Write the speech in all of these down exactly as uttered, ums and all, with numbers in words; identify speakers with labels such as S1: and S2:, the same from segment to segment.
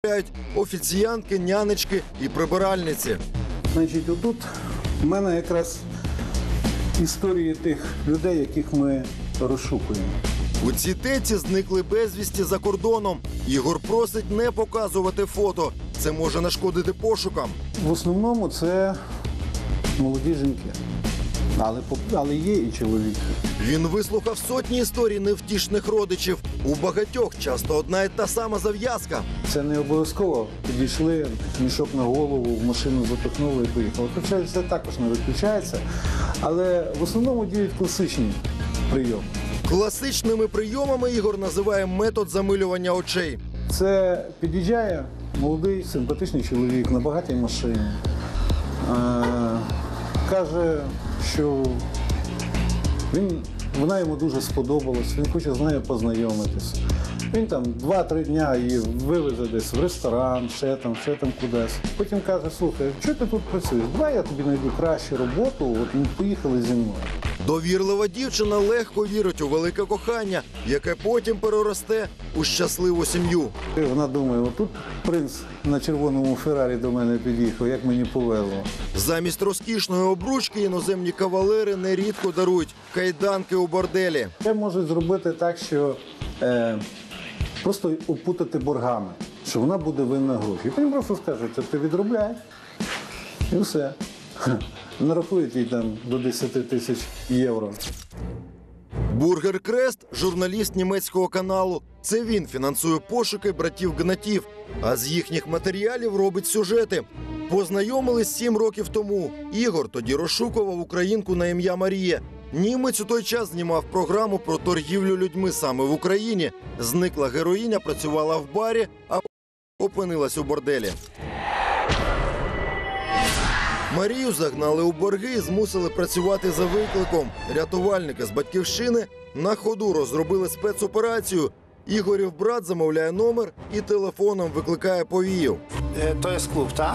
S1: офіціянки, нянечки і прибиральниці.
S2: Значить, отут в мене якраз історії тих людей, яких ми розшукуємо.
S1: У цій теці зникли безвісті за кордоном. Ігор просить не показувати фото. Це може нашкодити пошукам.
S2: В основному це молоді жінки, але, але є і чоловіки.
S1: Він вислухав сотні історій невтішних родичів. У багатьох часто одна і та сама зав'язка.
S2: Це не обов'язково. Підійшли, мішок на голову, в машину запихнули і поїхали. Хоча це також не виключається, але в основному діють класичні прийоми.
S1: Класичними прийомами Ігор називає метод замилювання очей.
S2: Це під'їжджає молодий, симпатичний чоловік на багатій машині. Е, каже, що він, вона йому дуже сподобалась, він хоче з нею познайомитися. Він там два-три дня її вивезе десь в ресторан, ще там, ще там кудись. Потім каже, слухай, що ти тут працюєш? Давай я тобі знайду кращу роботу, от ми поїхали зі мною.
S1: Довірлива дівчина легко вірить у велике кохання, яке потім переросте у щасливу сім'ю.
S2: Вона думає, отут принц на червоному Феррарі до мене під'їхав, як мені повезло.
S1: Замість розкішної обручки іноземні кавалери нерідко дарують кайданки у борделі.
S2: Це можуть зробити так, що е, просто опутати боргами, що вона буде винна гроші. І потім просто скажуть, що ти відробляєш, і все. Нарахують їй там до десяти тисяч євро.
S1: Бургер Крест – журналіст німецького каналу. Це він фінансує пошуки братів Гнатів, а з їхніх матеріалів робить сюжети. Познайомились сім років тому. Ігор тоді розшукував українку на ім'я Марія. Німець у той час знімав програму про торгівлю людьми саме в Україні. Зникла героїня, працювала в барі, а опинилась у борделі. Марію загнали у борги і змусили працювати за викликом. Рятувальники з Батьківщини на ходу розробили спецоперацію. Ігорів брат замовляє номер і телефоном викликає повію.
S3: To jest klub, tak?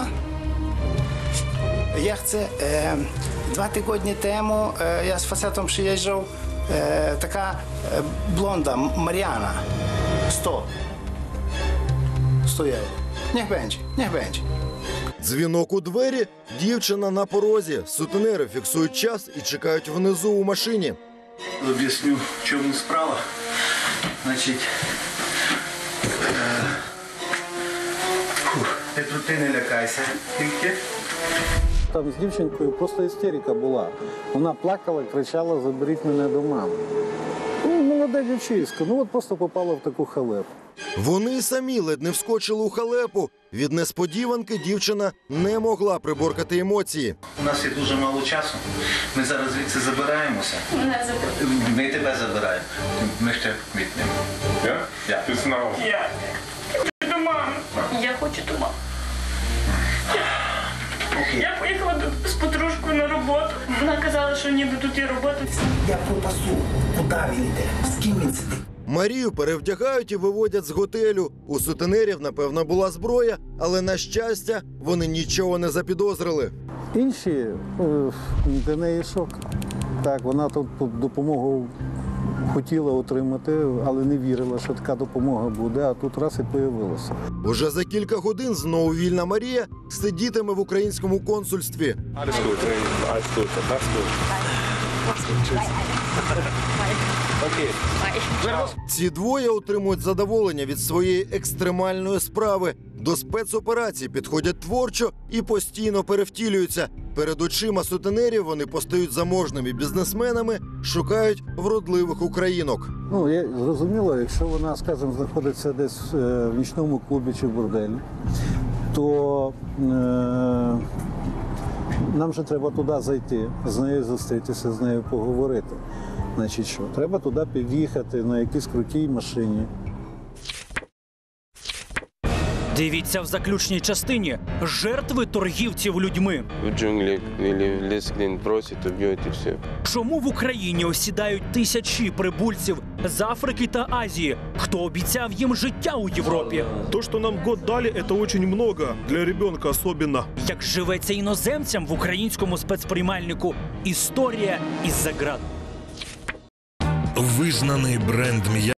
S3: Ja chcę... E, dwa tygodnie temu e, ja z facetem przyjeżdżał e, taka e, blonda, Mariana. sto. sto euro. Niech będzie, niech będzie.
S1: Дзвінок у двері, дівчина на порозі. Сутенери фіксують час і чекають внизу у машині.
S4: Об'ясню, в чому справа. Значить, е, фух, ти, ти не лякайся, тільки.
S2: Там з дівчинкою просто істерика була. Вона плакала, кричала, заберіть мене до мами. Ну, молода дівчиська, ну от просто попала в таку халепу.
S1: Вони й самі ледь не вскочили у халепу. Від несподіванки дівчина не могла приборкати емоції.
S4: У нас є дуже мало часу. Ми зараз звідси забираємося.
S5: Мене заберуть.
S4: Ми тебе забираємо. Ми ще квітнемо.
S6: Я?
S4: Я.
S6: Ти знав.
S5: Я хочу до мами. Я хочу до мами.
S4: Окей.
S5: Я поїхала до- з подружкою на роботу. Вона казала, що ніби тут є робота.
S3: Ja попасу, куди він йде, з ким він сидить.
S1: Марію перевдягають і виводять з готелю. У сутенерів, напевно, була зброя, але, на щастя, вони нічого не запідозрили.
S2: Інші е, для неї шок. Так, вона тут допомогу хотіла отримати, але не вірила, що така допомога буде, а тут раз і появилася.
S1: Уже за кілька годин знову вільна Марія сидітиме в українському консульстві.
S6: Alles gut. Alles gut. Mach's gut. Okay.
S1: Ці двоє отримують задоволення від своєї екстремальної справи. До спецоперацій підходять творчо і постійно перевтілюються. Перед очима сутенерів вони постають заможними бізнесменами, шукають вродливих українок.
S2: Ну, я зрозуміло, якщо вона, скажімо, знаходиться десь е, в нічному клубі чи борделі, то е, нам же треба туди зайти, з нею зустрітися, з нею поговорити. Значить що, треба туди під'їхати на якійсь крутій машині.
S7: Дивіться в заключній частині жертви торгівців людьми.
S8: В джунглі или в ліс, він просить, уб'ють і все.
S7: Чому в Україні осідають тисячі прибульців з Африки та Азії? Хто обіцяв їм життя у Європі?
S9: То, что нам год дали, это очень много, для ребенка особенно.
S7: Як живеться іноземцям в українському спецприймальнику? Історія із-за ґрат.
S10: Визнаний бренд м'яса